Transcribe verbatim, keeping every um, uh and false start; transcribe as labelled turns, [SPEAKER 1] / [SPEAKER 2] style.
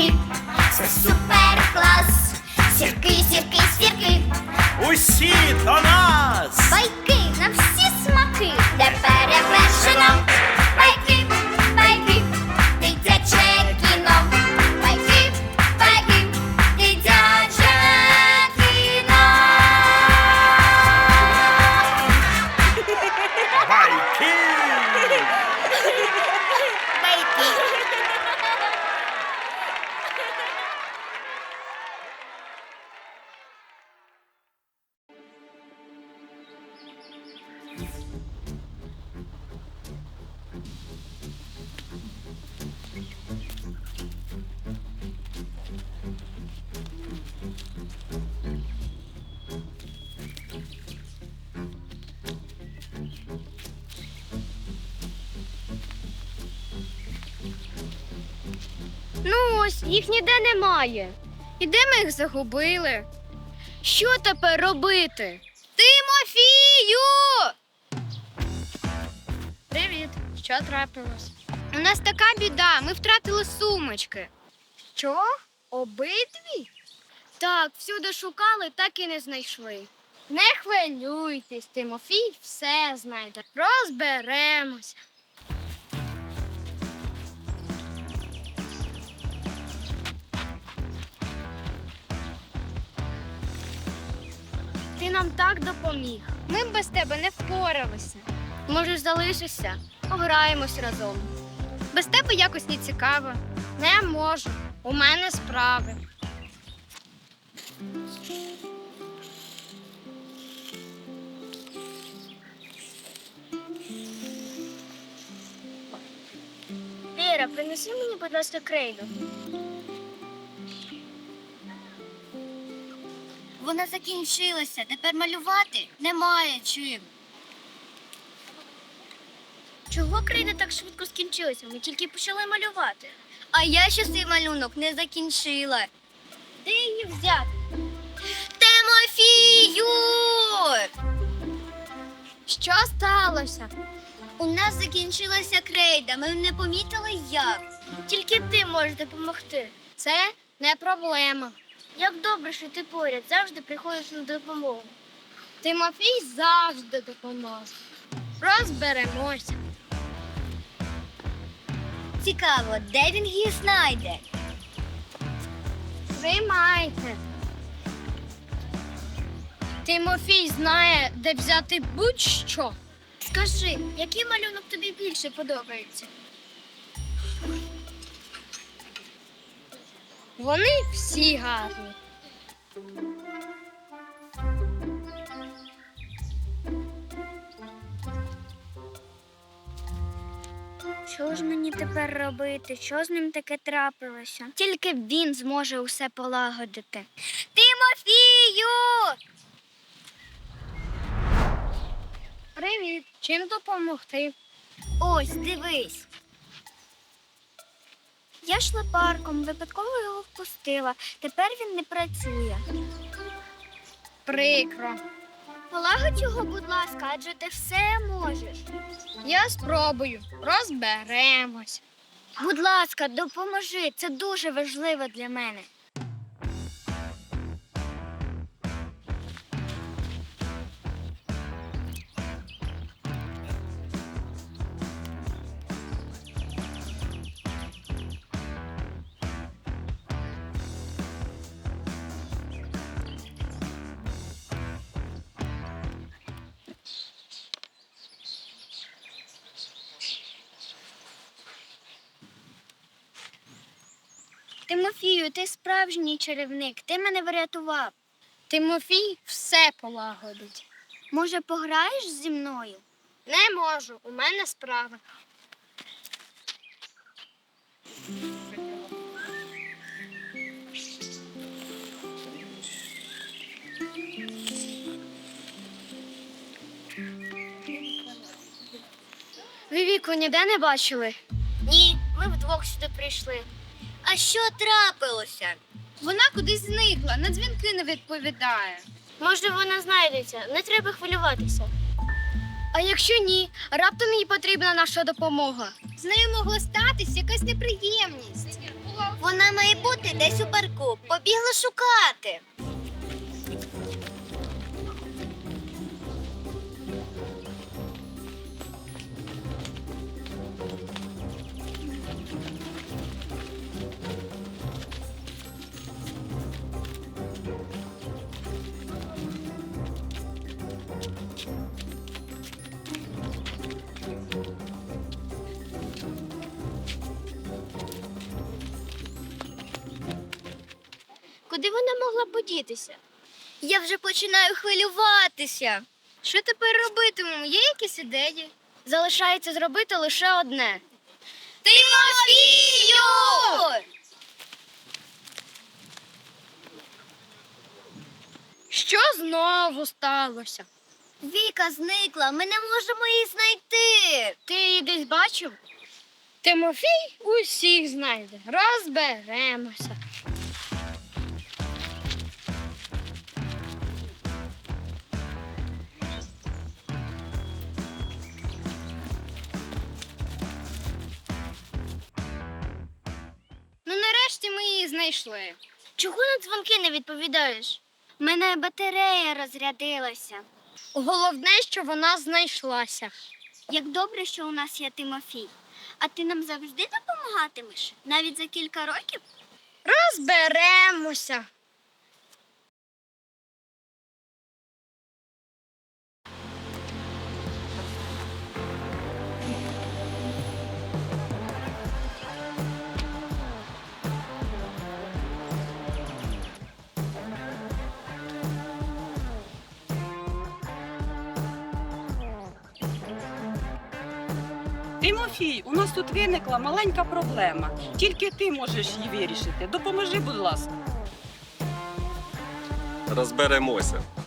[SPEAKER 1] сірки, це супер клас. Сірки, сірки, сірки,
[SPEAKER 2] Усі до нас!
[SPEAKER 1] байки на всі смаки, де перевершено. Байки, байки, дитяче кіно. Байки, байки, дитяче кіно.
[SPEAKER 2] Байки!
[SPEAKER 3] Ну ось, їх ніде немає. І де ми їх загубили? Що тепер робити? Тимофію! Привіт, що трапилось? У нас така біда, ми втратили сумочки. Що? Обидві? Так, всюди шукали, так і не знайшли. Не хвилюйтесь, Тимофій все знайде. Розберемося. Ти нам так допоміг. Ми б без тебе не впоралися. Можеш залишишся, пограємось разом. Без тебе якось не цікаво. Не можу. У мене справи. Віра, принеси мені, будь ласка, крейду.
[SPEAKER 1] Вона закінчилася, тепер малювати немає чим.
[SPEAKER 3] Чого крейда так швидко скінчилася? Ми тільки почали малювати.
[SPEAKER 1] А я ще цей малюнок не закінчила.
[SPEAKER 3] Де її взяти?
[SPEAKER 1] Тимофію!
[SPEAKER 3] Що сталося?
[SPEAKER 1] У нас закінчилася крейда, ми не помітили як.
[SPEAKER 3] Тільки ти можеш допомогти. Це не проблема. Як добре, що ти поряд, завжди приходиш на допомогу. Тимофій завжди допоможе. Розберемося.
[SPEAKER 1] Цікаво, де він її знайде?
[SPEAKER 3] Приймайте. Тимофій знає, де взяти будь-що. Скажи, який малюнок тобі більше подобається? Вони всі гарні. Що ж мені тепер робити? Що з ним таке трапилося? Тільки він зможе усе полагодити.
[SPEAKER 1] Тимофію!
[SPEAKER 3] Привіт! Чим допомогти?
[SPEAKER 1] Ось, дивись.
[SPEAKER 3] Я йшла парком, випадково його впустила. Тепер він не працює. Прикро.
[SPEAKER 1] Полагодь його, будь ласка, адже ти все можеш.
[SPEAKER 3] Я спробую. Розберемось.
[SPEAKER 1] Будь ласка, допоможи. Це дуже важливо для мене.
[SPEAKER 3] Тимофію, ти справжній чарівник. Ти мене врятував. Тимофій все полагодить.
[SPEAKER 1] Може, пограєш зі мною?
[SPEAKER 3] Не можу, у мене справа. Ви Віку ніде не бачили?
[SPEAKER 1] Ні.
[SPEAKER 3] Ми вдвох сюди прийшли.
[SPEAKER 1] А що трапилося?
[SPEAKER 3] Вона кудись зникла, на дзвінки не відповідає. Може, вона знайдеться, не треба хвилюватися. А якщо ні, раптом їй потрібна наша допомога. З нею могла статись якась неприємність.
[SPEAKER 1] Вона має бути десь у парку. Побігла шукати. Куди вона могла подітися? Я вже починаю хвилюватися.
[SPEAKER 3] Що тепер робитимемо? Є якісь ідеї? Залишається зробити лише одне.
[SPEAKER 1] Тимофію!
[SPEAKER 3] Що знову сталося?
[SPEAKER 1] Віка зникла, ми не можемо її знайти.
[SPEAKER 3] Ти її десь бачив? Тимофій усіх знайде. Розберемося. Ну, нарешті ми її знайшли.
[SPEAKER 1] Чого на дзвонки не відповідаєш? У мене батарея розрядилася.
[SPEAKER 3] Головне, що вона знайшлася.
[SPEAKER 1] Як добре, що у нас є Тимофій. А ти нам завжди допомагатимеш? Навіть за кілька років?
[SPEAKER 3] Розберемося.
[SPEAKER 4] Тимофій, у нас тут виникла маленька проблема. Тільки ти можеш її вирішити. Допоможи, будь ласка.
[SPEAKER 5] Розберемося.